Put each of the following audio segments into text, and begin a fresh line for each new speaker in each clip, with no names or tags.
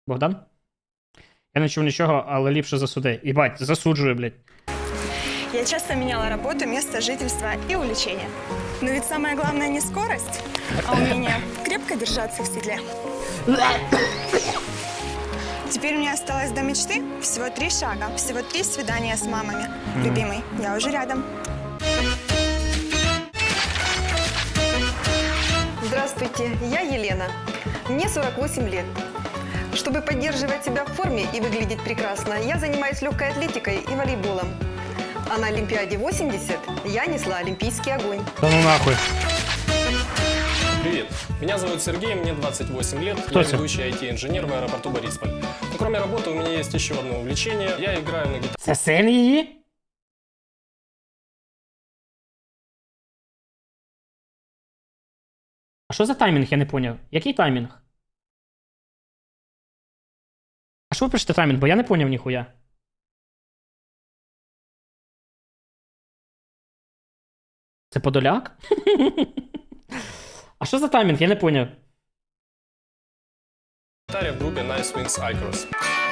Богдан? Я не чув нічого, але ліпше засуди. Єбать, засуджую, блядь.
Я часто меняла работу, место жительства и увлечения. Но ведь самое главное не скорость, а умение крепко держаться в седле. Теперь у меня осталось до мечты всего 3 шага, всего 3 свидания с мамами. Любимый, я уже рядом.
Здравствуйте, я Елена. Мне 48 лет. Чтобы поддерживать себя в форме и выглядеть прекрасно, я занимаюсь легкой атлетикой и волейболом. А на Олимпиаде 80 я несла олимпийский огонь.
Та ну нахуй.
Привет, меня зовут Сергей, мне 28 лет,
Кто
я
это?
ведущий IT-инженер в аэропорту Борисполь. Но кроме работы у меня есть еще одно увлечение, я играю на гитаре.
Це син її? А що за таймінг, я не поняв. Який таймінг? А що ви пишете таймінг, бо я не поняв ніхуя. Це Подоляк? А що за таймінг, я не поняв.
В группе Nice Wings Icros.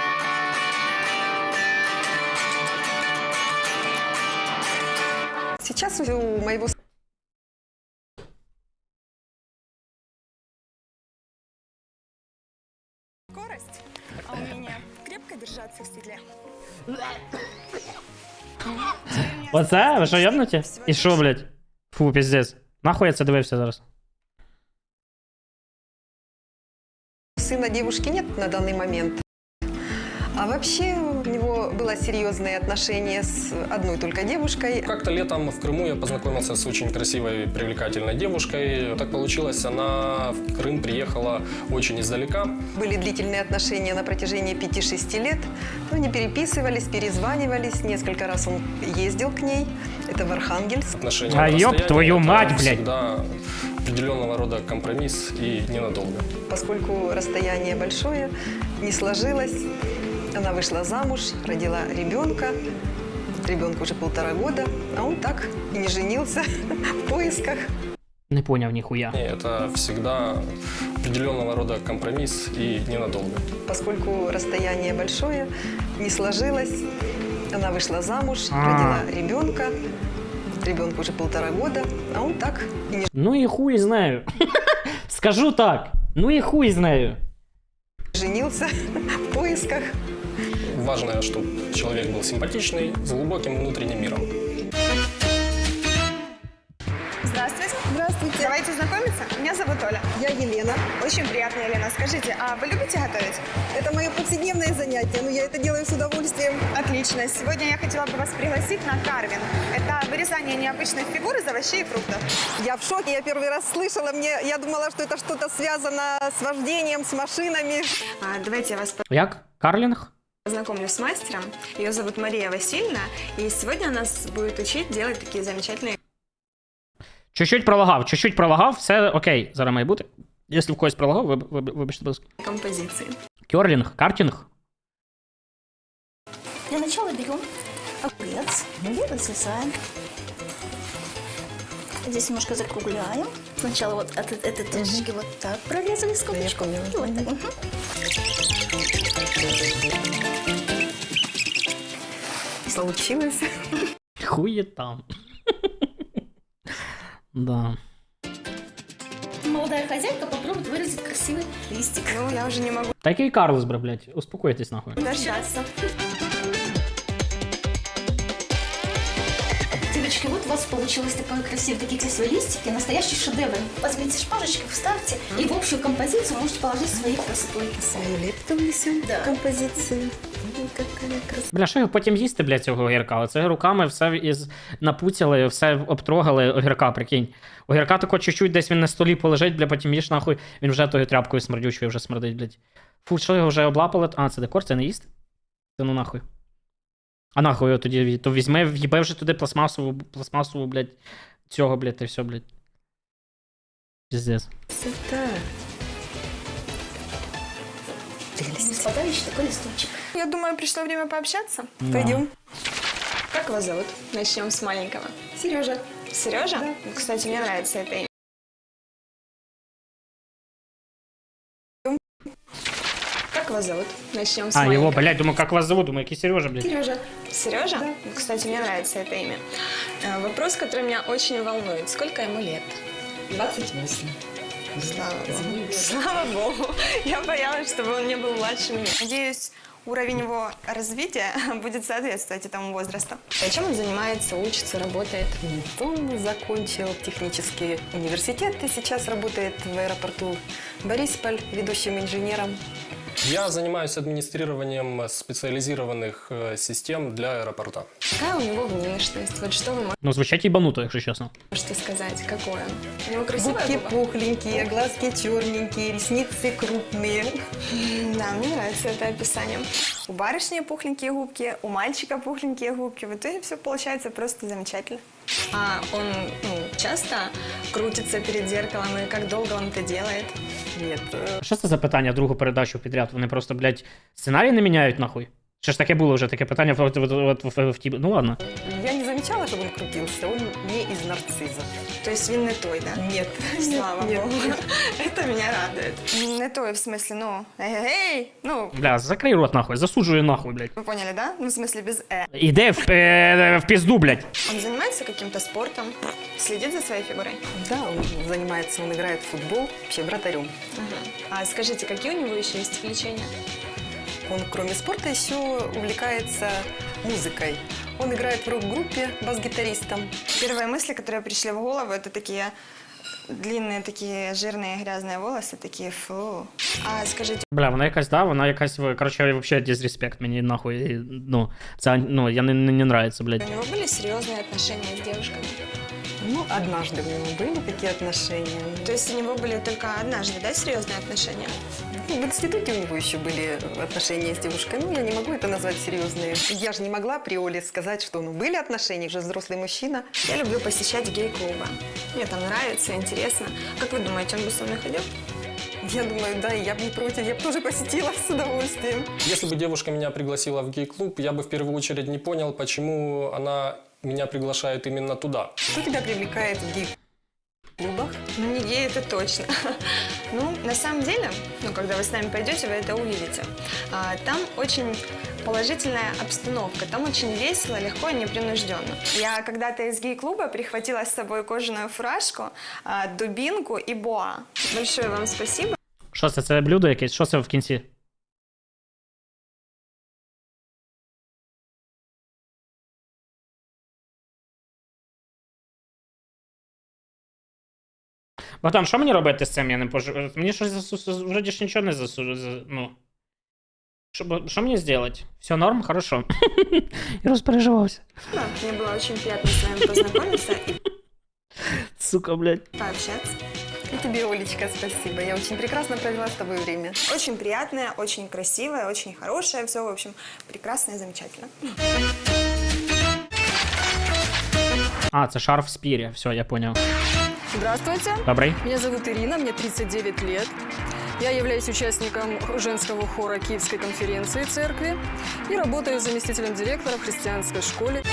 Сейчас у моего
Скорость, а умение крепко держаться в седле.
Оце? Ви що, ябнуті? І що, блядь? Фу, піздець. Нахуй я це дивився зараз?
сына девушки нет на данный момент. А вообще у него было серьезные отношения с одной только девушкой.
Как-то летом в Крыму я познакомился с очень красивой, привлекательной девушкой. Так получилось, она в Крым приехала очень издалека.
Были длительные отношения на протяжении 5-6 лет. Но они переписывались, перезванивались. Несколько раз он ездил к ней. Это в Архангельск.
Отношения
А
на
ёб
расстоянии
твою
это
мать, блядь.
всегда определенного рода компромисс и ненадолго.
Поскольку расстояние большое, не сложилось. Она вышла замуж, родила ребенка. Ребенку уже 1,5 года, а он так и не женился в поисках.
Не поняв ніхуя.
Это всегда определенного рода компромисс и ненадолго.
Поскольку расстояние большое, не сложилось. Она вышла замуж, родила ребенка. Ребенку уже 1,5 года, а он так и не
Ну і хуй знаю. Скажу так. Ну і хуй знаю.
женился в поисках.
Важно, чтобы человек был симпатичный, с глубоким внутренним миром.
Здравствуйте. Здравствуйте. Давайте знакомиться. Меня зовут Оля.
Я Елена.
Очень приятно, Елена. Скажите, а вы любите готовить?
Это мое повседневное занятие, но я это делаю с удовольствием.
Отлично. Сегодня я хотела бы вас пригласить на карвинг. Это вырезание необычных фигур из овощей и фруктов.
Я в шоке, я первый раз слышала. Я думала, что это что-то связано с вождением, с машинами.
Давайте я вас
Як? Карлінг?
познакомлю с мастером. Ее зовут Мария Васильевна. И сегодня она нас будет учить делать такие замечательные
Чуть-чуть пролагав, все окей, зараз має бути. Якщо в когось пролагав, вибачте, будь ласка.
композиции.
Керлінг, картинг.
Для начала берем огурец, и разрезаем. Здесь немножко закругляем. Сначала вот от этой точечки вот так прорезали скобочку.
поняла.
И вот так.
Получилось.
Хує там. Да.
Молодая хозяйка попробует вырезать красивый листик.
Ну, я уже не могу
Такий Карлос, бра, блядь. Успокойтесь нахуй.
дождаться.
Девочки, вот у вас получилось такие красивые листики, настоящий шедевр. Возьмите шпажечку, вставьте, и в общую композицию можете положить свои красоты.
Свою лепту внесем
Да.
в композицию. Ой, какая красота.
Бля, що його потім їсти, блядь, цього огірка? Оце руками все напуцяли, все обтрогали огірка, прикинь. Огірка тако чуть-чуть десь він на столі полежить, бля, потім їж нахуй, він вже тою тряпкою смердючою вже смердить, блядь. Фу, що його вже облапали? А, це декор, це не їсти? Це ну нахуй. А нахуй його тоді, то візьми, в'їбе вже туди пластмасову, блядь, цього, блядь, і все, блядь. Пиздец.
Красота.
Господа, еще такой листочек.
Я думаю, пришло время пообщаться.
Да.
Пойдем. Как вас зовут? Начнем с маленького.
Сережа.
Сережа?
Да.
Кстати, мне нравится это имя. Как вас его зовут? Начнем с
А, его,
маленького.
блядь, думаю, как вас зовут? Думаю, який Сережа, блядь.
Сережа. Сережа? Кстати, мне нравится это имя. Вопрос, который меня очень волнует. Сколько ему лет?
28.
Слава Богу. Слава Богу. Я боялась, чтобы он не был младше меня. Надеюсь, уровень его развития будет соответствовать этому возрасту. А чем он занимается, учится, работает?
Он закончил технический университет и сейчас работает в аэропорту Борисполь ведущим инженером.
Я занимаюсь администрированием специализированных систем для аэропорта.
Какая у него внешность? Вот что вы
Ну, звучать ебануто, якщо чесно.
можете сказать? Какой он? У него красивая
Губки
губа?
пухленькие, глазки черненькие, ресницы крупные.
Да, мне нравится это описание. У барышни пухленькие губки, у мальчика пухленькие губки. В итоге все получается просто замечательно. А он часто крутится перед зеркалом, и как долго он это делает?
Нет,
Що це за питання другу передачу підряд? Вони просто, блядь, сценарій не міняють нахуй? Що ж таке було вже таке питання в ті... Ну ладно.
я не замечала, чтобы он крутился, он не из нарциссов.
То есть він не той, да?
Нет.
Слава
Нет.
Богу. Это меня радует. Не той, в смысле, эй,
Бля, закрий рот нахуй, засуджую нахуй, блядь.
вы поняли, да? Ну, в смысле, без
Іде в пізду, блядь.
Он занимается каким-то спортом, следит за своей фигурой?
Да, он занимается, он играет в футбол, вообще вратарем.
А скажите, какие у него еще есть увлечения?
Он, кроме спорта, еще увлекается музыкой. Он играет в рок-группе бас-гитаристом.
Первые мысли, которые пришли в голову, это такие длинные, такие жирные, грязные волосы, такие фу. А скажите,
Бля, вона якась, да, вона якась, короче, вообще дизреспект мені нахуй, ну, це, ну, я не нравится, блядь.
у него были серьезные отношения с девушками?
Ну, однажды у него были такие отношения.
То есть у него были только однажды, да, серьезные отношения?
Ну, в институте у него еще были отношения с девушкой. Ну, я не могу это назвать серьезные. Я же не могла априори сказать, что были отношения, же взрослый мужчина.
Я люблю посещать гей-клубы. Мне там нравится, интересно. Как вы думаете, он бы со мной ходил?
Я думаю, да, и я бы не против, я бы тоже посетила с удовольствием.
Если бы девушка меня пригласила в гей-клуб, я бы в первую очередь не понял, почему она меня приглашает именно туда.
Что тебя привлекает в гей-клубах?
Ну, не гей, это точно. Ну, на самом деле, когда вы с нами пойдете, вы это увидите. Там очень положительная обстановка, там очень весело, легко и непринужденно. Я когда-то из гей-клуба прихватила с собой кожаную фуражку, дубинку и боа. Большое вам спасибо.
Що це, це блюдо якесь? Що це в кінці? Богдан, що мені робити з цим? Я не пожу. Мені щось вроді ж нічого не засуджує. Ну. Що мені зробити? Все норм? Хорошо. Я розпереживався.
Да, мне было очень приятно с вами познакомиться и
Сука, блядь.
пообщаться.
И тебе, Олечка, спасибо. Я очень прекрасно провела с тобой время.
Очень приятное, очень красивое, очень хорошее. Все, в общем, прекрасно и замечательно.
А, це шарф спір'я. Все, я понял.
Здравствуйте,
Добрий.
меня зовут Ирина, мне 39 лет. Я являюсь участником женского хора Киевской конференции церкви и работаю заместителем директора в христианской школе.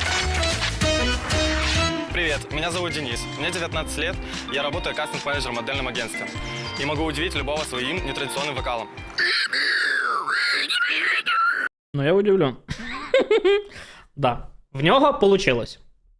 Привет, меня зовут Денис, мне 19 лет, я работаю кастинг-менеджером в модельном агентстве и могу удивить любого своим нетрадиционным вокалом.
Ну, я удивлен. Да. В нього получилось.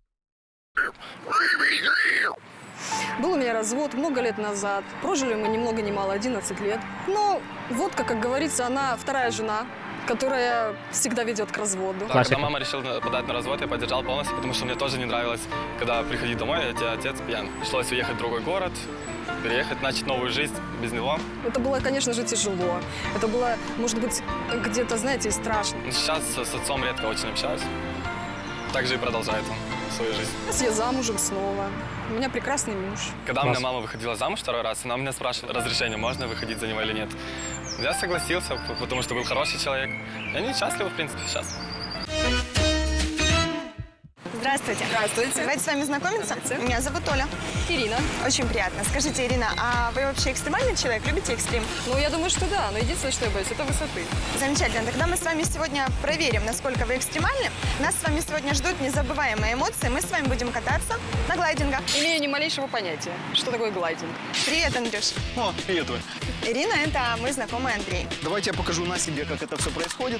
Был у меня развод много лет назад, прожили мы ни много ни мало 11 лет. Но водка, как говорится, она вторая жена, которая всегда ведет к разводу.
Да,
Классика.
когда мама решила подать на развод, я поддержал полностью, потому что мне тоже не нравилось, когда приходить домой, а тебя отец пьян. Пришлось уехать в другой город, переехать, начать новую жизнь без него.
Это было, конечно же, тяжело. Это было, может быть, где-то, знаете, и страшно.
Сейчас с отцом редко очень общаюсь. Так же и продолжает он свою жизнь.
Сейчас я замужем снова. У меня прекрасный муж.
Когда у
Класс.
меня мама выходила замуж второй раз, она меня спрашивала разрешение, можно выходить за него или нет. Я согласился, потому что был хороший человек. И они счастливы, в принципе, сейчас.
Здравствуйте. Здравствуйте. Давайте с вами знакомиться. Меня зовут Оля.
Ирина.
Очень приятно. Скажите, Ирина, а вы вообще экстремальный человек? Любите экстрим?
Ну, я думаю, что да, но единственное, что я боюсь, это высоты.
Замечательно. Тогда мы с вами сегодня проверим, насколько вы экстремальны. Нас с вами сегодня ждут незабываемые эмоции. Мы с вами будем кататься на глайдингах.
Имею ни малейшего понятия, что такое глайдинг.
Привет, Андрюш.
О, привет, Оль.
Ирина – это мой знакомый Андрей.
Давайте я покажу на себе, как это все происходит.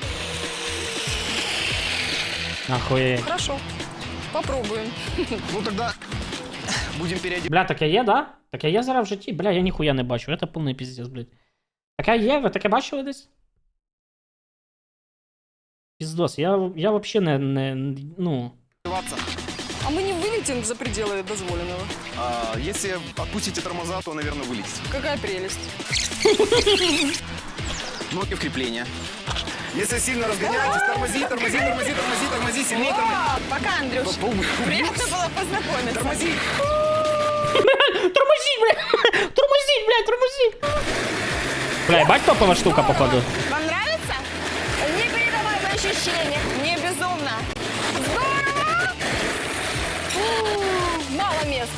Охуєть.
Хорошо, попробуем.
Ну тогда будем переодеваться.
Бля, таке є, да? Таке є зараз в житті? Бля, я ніхуя не бачу. Це повний піздець, блядь. Таке є? Ви таке бачили десь? Піздос, я вообще не, ну...
А мы не вылетим за пределы дозволенного.
Если отпустите тормоза, то, наверное, вылетите.
Какая прелесть.
Ноги в крепление. Если сильно разгоняетесь, тормози, сильнее тормози.
Пока, Андрюш. Приятно было познакомиться.
Тормози.
Тормозіть, бля! Тормозіть, бля, тормозіть! Бля, бать топова штука, походу.
Вам нравится? Непередаваемое ощущение. Мне безумно. Здорово!
Мало места.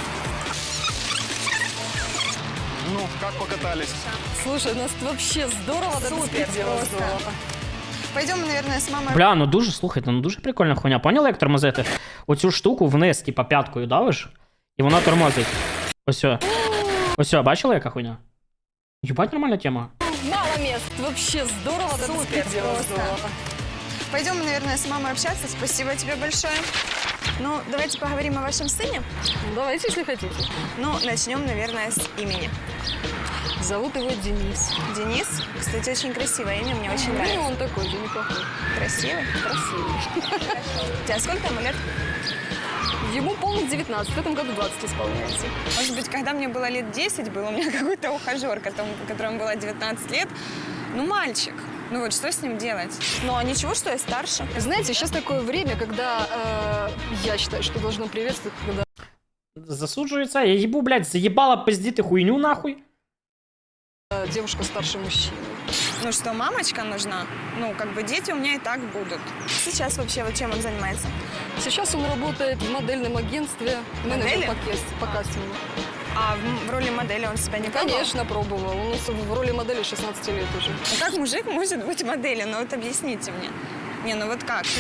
Ну, как покатались?
Слушай, у нас вообще здорово, да
Супер,
беспредела
просто.
здорово.
Пойдем, наверное, с мамой.
Бля, ну дуже, слухайте, ну дуже прикольна хуйня. Поняли, як тормозити? Оцю штуку вниз, типа п'яткою давиш, і вона тормозить. Ось, бачили, яка хуйня? Єбать, нормальна тема.
Мало мест. Вообще здорово, да
Супер,
беспредела
просто.
здорово.
Пойдем, наверное, с мамой общаться. Спасибо тебе большое. Ну, давайте поговорим о вашем сыне.
Давайте, если хотите.
Ну, начнем, наверное, с имени.
Зовут его Денис.
Денис. Кстати, очень красивое имя, мне очень
Ну,
нравится.
он такой же, неплохой.
Красивый?
Красивый.
У тебя сколько ему лет?
Ему полных 19, в этом году 20 исполняется.
Может быть, когда мне было лет 10, был у меня какой-то ухажер, которому было 19 лет. Ну, мальчик. Ну вот, что с ним делать? Ну, а ничего, что я старше.
Знаете, сейчас такое время, когда я считаю, что должно приветствовать, когда
Засуджується, я їбу, блядь, заїбала пиздіти хуйню нахуй.
девушка старше мужчины.
Ну что, мамочка нужна? Ну, как бы дети у меня и так будут. Сейчас вообще вот чем он занимается?
Сейчас он работает в модельном агентстве,
Модели?
менеджер по кастингу.
А в роли модели он себя не пробовал?
Конечно, пробовал. Он у нас в роли модели 16 лет уже.
Ну, как мужик может быть моделью? Ну, вот объясните мне. Не, ну вот как?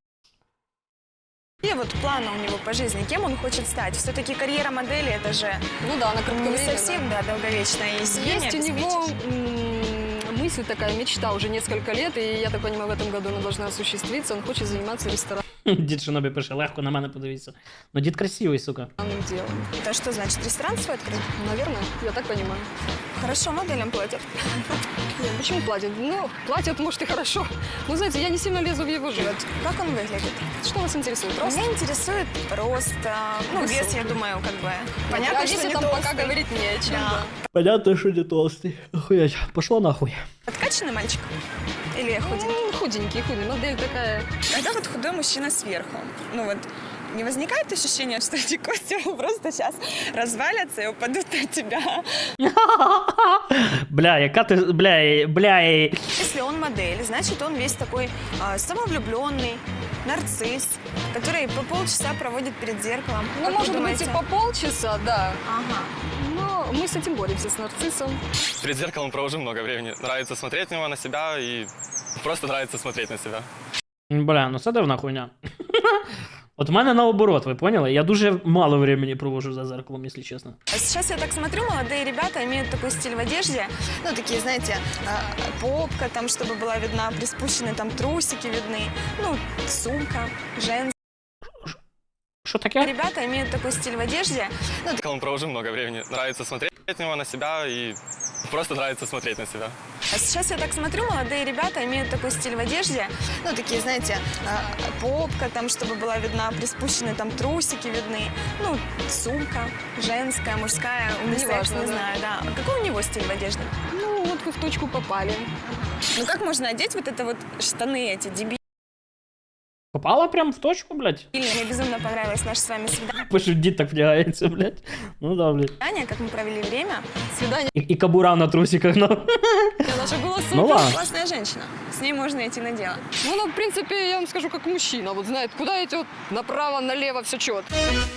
Какие вот планы у него по жизни? Кем он хочет стать? Все-таки карьера модели, это же
Ну да, она
не
кратковременная.
совсем, да, долговечная. И себе не
Есть у него
обеспечишь.
мысль такая, мечта уже несколько лет, и я так понимаю, в этом году она должна осуществиться. Он хочет заниматься ресторанным
Дід Шинобі пише, легко на мене подивіться. Ну дід красивий, сука.
делом.
Это что значит, ресторан свой открыть?
Наверное, я так понимаю.
Хорошо моделям платят.
Нет, почему платят? Ну, платят, может, и хорошо. Но, знаете, я не сильно лезу в его жизнь.
Как он выглядит?
Что вас интересует? Рост?
Меня интересует рост, ну, вес,
Высокий.
я думаю, как бы. Понятно, что не
там пока
толстый.
говорить не о чем.
Да.
Да.
Понятно, що не толстий. Охуєть, пошло нахуй.
Подкачанный мальчик? Или худенький?
Худенький, модель такая.
Когда вот худой мужчина сверху, ну вот не возникает ощущения, что эти кости просто сейчас развалятся и упадут на тебя?
Бля, яка ти, бля.
Если он модель, значит он весь такой самовлюбленный, нарцисс, который по полчаса проводит перед зеркалом.
Ну,
Как вы
может быть,
думаете?
и по полчаса, да.
Ага.
Но мы с этим боремся, с нарциссом.
Перед зеркалом провожу много времени. Нравится смотреть на него, на себя и просто нравится смотреть на себя.
Бля, ну це дивна хуйня. От в мене наоборот, ви поняли? Я дуже мало времени провожу за зеркалом, якщо чесно.
А сейчас я так смотрю, молодые ребята имеют такой стиль в одежде, ну, такие, знаете, попка, там, чтобы была видна, приспущенные там трусики видны, ну, сумка, женская.
Що таке?
Ребята имеют такой стиль в одежде, ну,
Зеркалом провожу много времени. Нравится смотреть на него, на себя и просто нравится смотреть на себя.
а сейчас я так смотрю, молодые ребята имеют такой стиль в одежде, ну, такие, знаете, попка, там, чтобы была видна, приспущенные там трусики видны, ну, сумка, женская, мужская, унисекс,
Неважно,
не
да.
знаю, да. А какой у него стиль в одежде?
Ну, вот вы в точку попали.
Ну, как можно одеть вот это вот штаны эти,
Попала прям в точку, блядь.
Мне безумно понравилось наше с вами
Пишуть, дід так влягається, блядь. Ну да, блядь.
свидание, как мы провели время.
Свидание
І кабура на трусиках, ну.
наше было супер.
Ну ладно.
Классная женщина. С ней можно идти на дело.
Ну, она, в принципе, я вам скажу, как мужчина. Вот знает, куда идет, направо, налево, все четко.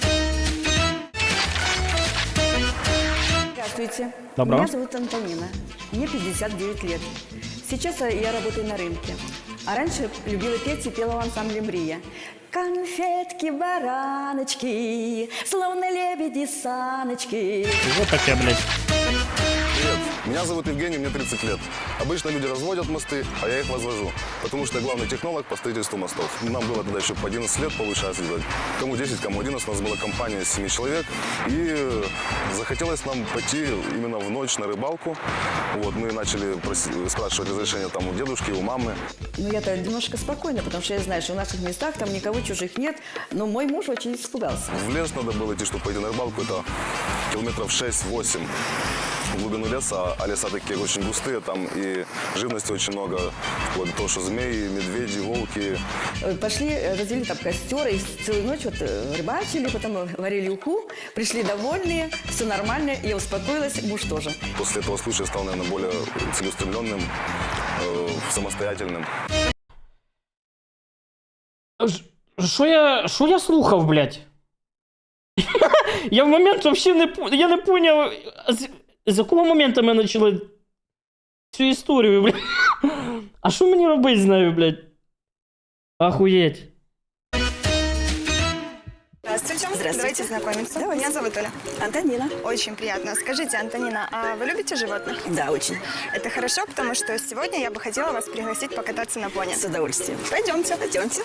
Здравствуйте.
Доброго.
Меня зовут Антонина. Мне 59 лет. Сейчас я работаю на рынке. А раньше любила петь и пела в ансамбле «Мрия». Конфетки, бараночки, словно лебеди саночки.
Вот таке, блядь.
Привет, меня зовут Евгений, мне 30 лет. Обычно люди разводят мосты, а я их возвожу, потому что я главный технолог по строительству мостов. Нам было тогда еще по 11 лет, получается, делать. Кому 10, кому 11, у нас была компания из 7 человек. И захотелось нам пойти именно в ночь на рыбалку. Вот, мы начали спрашивать разрешение там у дедушки, у мамы.
Ну, я-то немножко спокойна, потому что я знаю, что в наших местах там никого чужих нет. Но мой муж очень испугался.
В лес надо было идти, чтобы пойти на рыбалку. Это километров 6-8 в глубину леса, а леса такие очень густые, там и живности очень много. Вот то, что змеи, медведи, волки.
Пошли, развели там костер и целую ночь вот рыбачили, потом варили уху, пришли довольные, все нормально, я успокоилась, муж тоже.
После этого случая стал, наверное, более целеустремленным, самостоятельным.
Що я слухав, блядь? Я в момент вообще я не поняв, з якого моменту ми почали цю історію, блядь. А що мені робити з нею, блядь? Охуєть.
Здравствуйте.
Здравствуйте.
Давайте знакомиться. Меня зовут Оля.
Антонина.
Очень приятно. Скажите, Антонина, а вы любите животных?
Да, очень.
Это хорошо, потому что сегодня я бы хотела вас пригласить покататься на пони.
С удовольствием.
Пойдемте.
Пойдемте.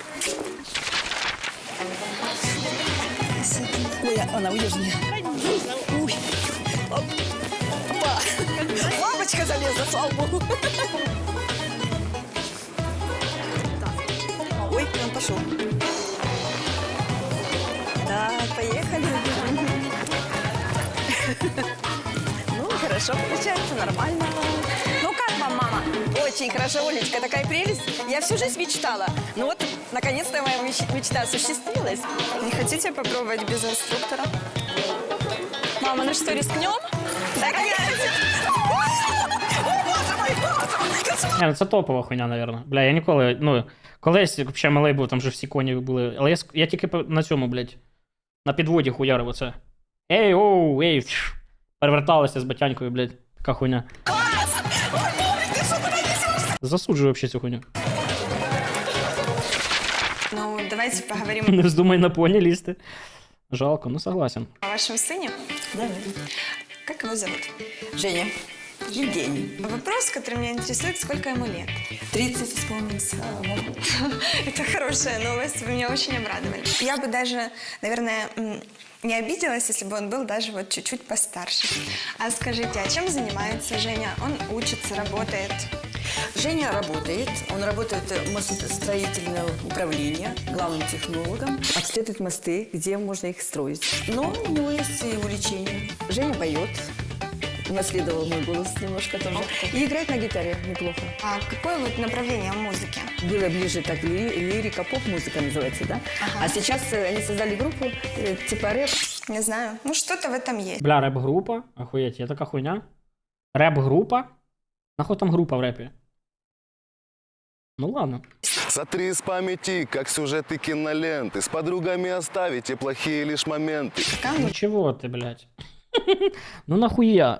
Ой, она уйдет мне. Ой. Опа. Бабочка залезла, слава богу. Ой, он пошел. Так, поехали. Ну, хорошо получается, нормально. Ну, как вам, мама? Очень хорошо, Олечка, такая прелесть. Я всю жизнь мечтала. Ну вот, наконец-то моя мечта осуществилась.
Не хотите попробовать без инструктора? Мама, ну что, рискнем? Да, конечно.
Не, ну це топова хуйня, напевно. Бля, я ніколи, ну, колись, взагалі, малий був, там же всі коні були. Але я тільки на цьому, блядь, на підводі хуярив оце. Ей, оу, ей, фш. Переверталися з батянькою, блядь, така хуйня. Засуджую взагалі цю хуйню.
Ну, давайте поговорим
Не вздумай на поні лізти. Жалко, ну согласен.
о вашем сыне.
Давай.
Как его зовут?
Женя. Евгений.
Вопрос, который меня интересует, сколько ему лет?
30 исполнилось.
Это хорошая новость, вы меня очень обрадовали. Я бы даже, наверное, не обиделась, если бы он был даже вот чуть-чуть постарше. А скажите, а чем занимается Женя? Он учится, работает?
Женя работает. Он работает в мостостроительном управлении, главным технологом. Обследует мосты, где можно их строить. Но у него есть и увлечение. Женя поет. Унаследовал мой голос немножко тоже. И играет на гитаре неплохо.
А какое вот направление в музыке?
Было ближе так лирика, поп-музыка называется, да?
Ага.
А сейчас они создали группу типа рэп.
Не знаю, ну что-то в этом есть.
Бля, реп-група? Охуєть, є така хуйня? Реп-група? Нахуй там група в репі? Ну ладно.
Сотри из памяти, как сюжеты киноленты. С подругами оставите плохие лишь моменты.
Ну чего ты, блядь? Ну нахуя?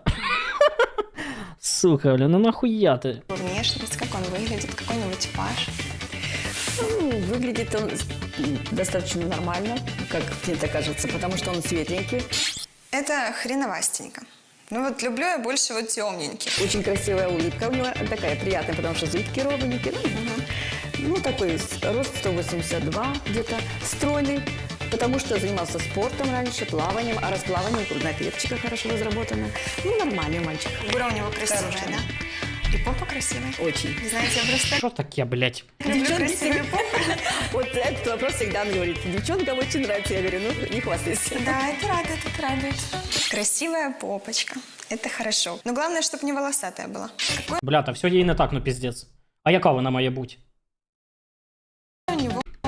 Сука, бля, ну нахуя ты?
Внешность, как он выглядит, какой у него типаж?
Ну, выглядит он достаточно нормально, как мне так кажется, потому что он светленький.
Это хреновастенько. Ну вот люблю я больше вот темненьких.
Очень красивая улыбка у него такая приятная, потому что зубки ровненькие. Ну, такой рост 182 где-то, стройный, потому что занимался спортом раньше, плаванием, а раз плаванием грудная клеточка хорошо разработана. Ну, нормальный мальчик.
Фигура у него красивая,
Хорошая.
да? И попа красивая.
Очень.
Знаете, я просто
Що таке, блядь?
люблю
Девчонки
красивые попы.
Вот этот вопрос всегда он говорит. Девчонкам очень нравится. Я говорю, ну, не хвастайся.
Да, это радует. Красивая попочка. Это хорошо. Но главное, чтобы не волосатая была.
Бля, та все їй не так, ну піздець. А яка вона має бути?
У него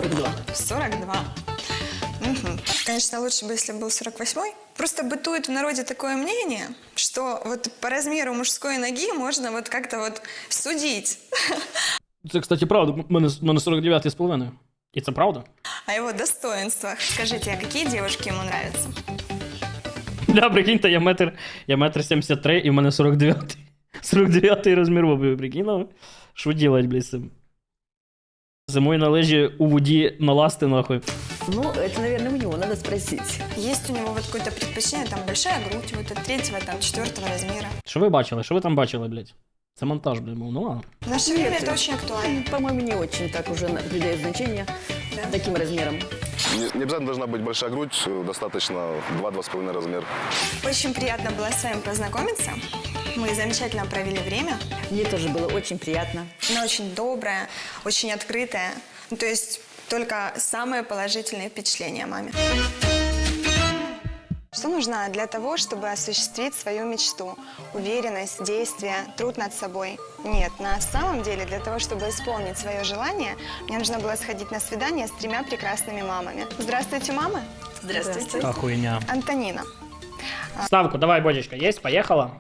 42.
42. Мгм. Конечно, лучше бы, если был 48-й. Просто бытует в народе такое мнение, что вот по размеру мужской ноги можно вот как-то вот судить.
Це, кстати, правда. У мене 49,5. І це правда?
О его достоинствах. Скажите, а какие девушки ему нравятся?
Да, прикиньте, я метр 73 і в мене 49. 49 розмір обуви, прикинули? Що делать, блядь, з цим? Зимою на лижі у воді наласти, нахуй.
Ну, это, наверное, у него надо спросить.
Есть у него вот какое-то предпочтение, там большая грудь, вот от 3-го, там 4-го размера.
Що ви бачили? Що ви там бачили, блядь? Це монтаж, блядь, був. Ну ладно.
В наше время это очень актуально.
По-моему, не очень так уже придает значение таким размером.
Не обязательно должна быть большая грудь, достаточно 2-2,5 размер.
Очень приятно было с вами познакомиться. Мы замечательно провели время.
Мне тоже было очень приятно.
Она очень добрая, очень открытая. Ну, то есть только самые положительные впечатления о маме. Что нужно для того, чтобы осуществить свою мечту? Уверенность, действие, труд над собой? Нет, на самом деле для того, чтобы исполнить свое желание, мне нужно было сходить на свидание с 3 прекрасными мамами. Здравствуйте, мамы.
Здравствуйте.
Та хуйня.
Антонина.
Ставку, давай, Бодечка, есть? Поехала?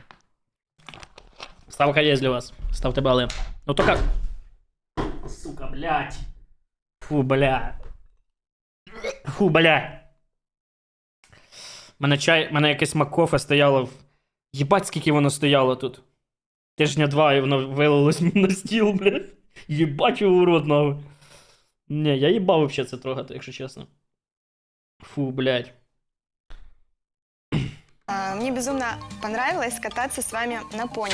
Ставка есть для вас. Ставьте баллы. Ну только... Сука, блядь. Фу, бля. Фу, бля. Мене якесь макофе стояло. Єбать, скільки воно стояло тут. Тижня 2 і воно вилилось мені на стіл, блядь. Єбать його в рот, нахуй. Не, я їбав вообще це трогати, якщо чесно. Фу, блядь.
Мне безумно понравилось кататься с вами на пони.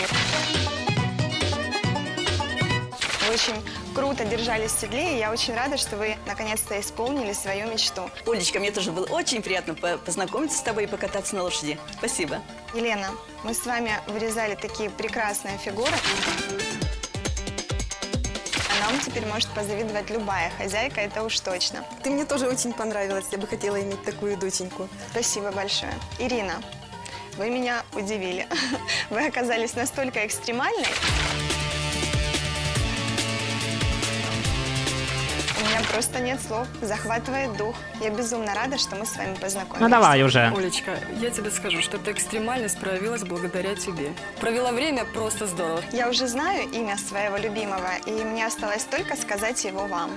Вы очень круто держались в седле, и я очень рада, что вы наконец-то исполнили свою мечту.
Олечка, мне тоже было очень приятно познакомиться с тобой и покататься на лошади. Спасибо.
Елена, мы с вами вырезали такие прекрасные фигуры. А нам теперь может позавидовать любая хозяйка, это уж точно.
Ты мне тоже очень понравилась. Я бы хотела иметь такую доченьку.
Спасибо большое. Ирина, вы меня удивили. Вы оказались настолько экстремальной. У меня просто нет слов. Захватывает дух. Я безумно рада, что мы с вами познакомились.
Ну давай уже.
Олечка, я тебе скажу, что эта экстремальность проявилась благодаря тебе. Провела время просто здорово.
Я уже знаю имя своего любимого, и мне осталось только сказать его вам.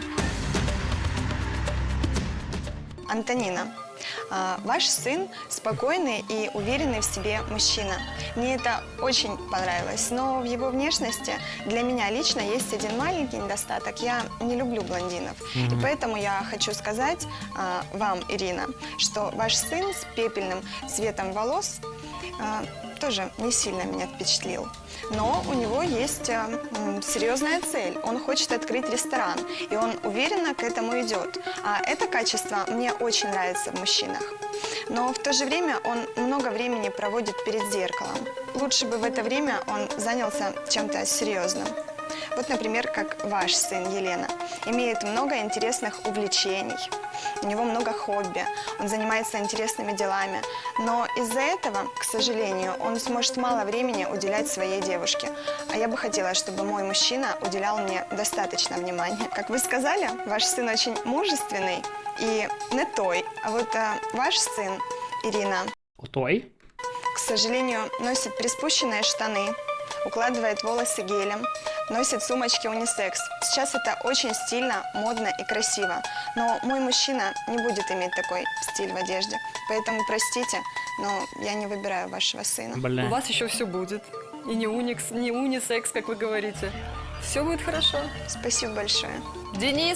Антонина, ваш сын спокойный и уверенный в себе мужчина. Мне это очень понравилось, но в его внешности для меня лично есть один маленький недостаток. Я не люблю блондинов. И поэтому я хочу сказать вам, Ирина, что ваш сын с пепельным цветом волос тоже не сильно меня впечатлил. Но у него есть серьезная цель. Он хочет открыть ресторан, и он уверенно к этому идет. А это качество мне очень нравится в мужчинах. Но в то же время он много времени проводит перед зеркалом. Лучше бы в это время он занялся чем-то серьезным. Вот, например, как ваш сын Елена. Имеет много интересных увлечений. У него много хобби, он занимается интересными делами. Но из-за этого, к сожалению, он сможет мало времени уделять своей девушке. А я бы хотела, чтобы мой мужчина уделял мне достаточно внимания. Как вы сказали, ваш сын очень мужественный и не той. А вот ваш сын, Ирина,
Той?
к сожалению, носит приспущенные штаны, укладывает волосы гелем, носит сумочки унисекс. Сейчас это очень стильно, модно и красиво. Но мой мужчина не будет иметь такой стиль в одежде. Поэтому простите, но я не выбираю вашего сына.
У
Бля.
вас еще все будет. И не унисекс, как вы говорите. Все будет хорошо.
Спасибо большое.
Денис!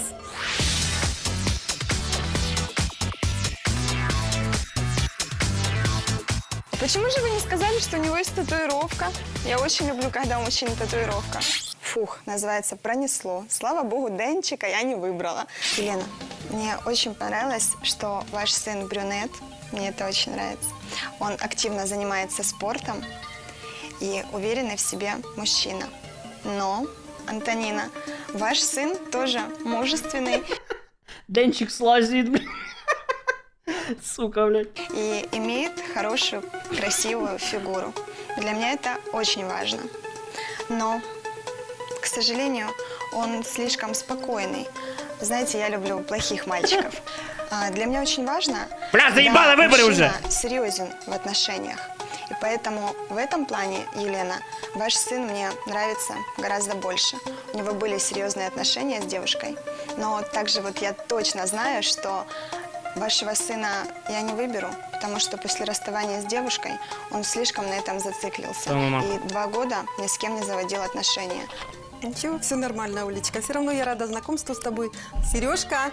Почему же вы не сказали, что у него есть татуировка? Я очень люблю, когда у мужчины татуировка. Фух, называется «Пронесло». Слава богу, Денчика я не выбрала. Елена, мне очень понравилось, что ваш сын брюнет. Мне это очень нравится. Он активно занимается спортом и уверенный в себе мужчина. Но, Антонина, ваш сын тоже мужественный
Денчик слазит, блядь. Сука, блядь.
и имеет хорошую, красивую фигуру. Для меня это очень важно. Но, к сожалению, он слишком спокойный. Знаете, я люблю плохих мальчиков. Для меня очень важно,
Бля, заебало,
когда
выбори уже!
мужчина серьезен в отношениях. И поэтому в этом плане, Елена, ваш сын мне нравится гораздо больше. У него были серьезные отношения с девушкой. Но также вот я точно знаю, что вашего сына я не выберу, потому что после расставания с девушкой он слишком на этом зациклился. И 2 года ни с кем не заводил отношения.
Ничего, все нормально, Улечка. Все равно я рада знакомству с тобой. Сережка.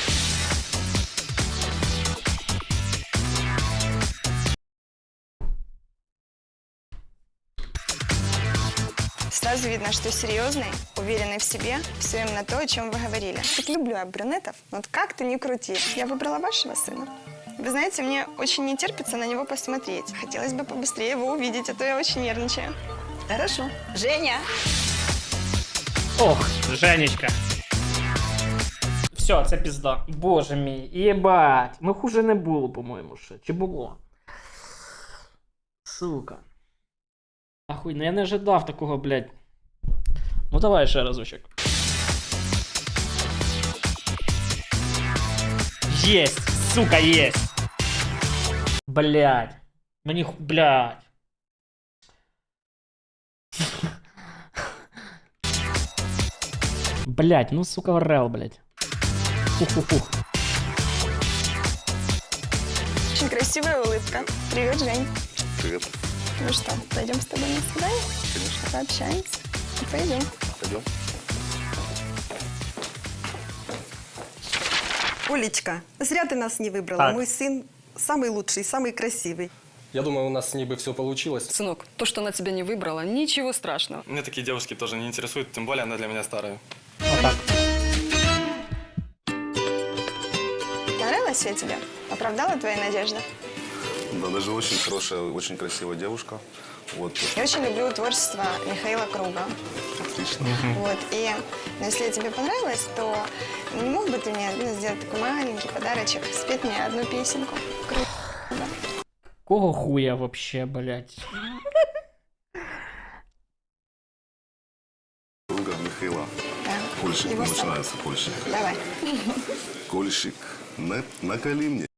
Сразу видно, что серьезный, уверенный в себе, все именно то, о чем вы говорили. Так люблю я брюнетов, но вот как ты ни крути. Я выбрала вашего сына. Вы знаете, мне очень не терпится на него посмотреть. Хотелось бы побыстрее его увидеть, а то я очень нервничаю.
Хорошо. Женя!
Ох, Женечка. Все, це пізда. Боже мій, єбать. Ну хуже не було, по-моєму, ще. Чи було? Сука. Ахуй, ну я не ожидав такого, блядь. Ну давай ще разочок. Єсть, сука, єсть. Блядь. Мені, блядь. Блядь, ну сука, орел, блядь. Фух-фух-фух.
Очень красивая улыбка. Привет, Жень.
Привет.
Ну что, пойдем с тобой на свидание?
Конечно.
Пообщаемся. Пойдем.
Пойдем.
Олечка, зря ты нас не выбрала.
Так.
Мой сын самый лучший, самый красивый.
Я думаю, у нас с ней бы все получилось.
Сынок, то, что она тебя не выбрала, ничего страшного.
Мне такие девушки тоже не интересуют, тем более она для меня старая.
Вот так.
Понравилась я тебе? Оправдала твои надежды?
Да, даже очень хорошая, очень красивая девушка. Вот,
Я очень люблю творчество Михаила Круга.
отлично.
Вот, и если я тебе понравилась, то не мог бы ты мне сделать такой маленький подарочек, спеть мне одну песенку?
Кого хуя вообще, блядь?
Друга Михаила.
Да.
Кольщик,
Его
начинается кольщик.
Давай.
Кольщик, наколи мне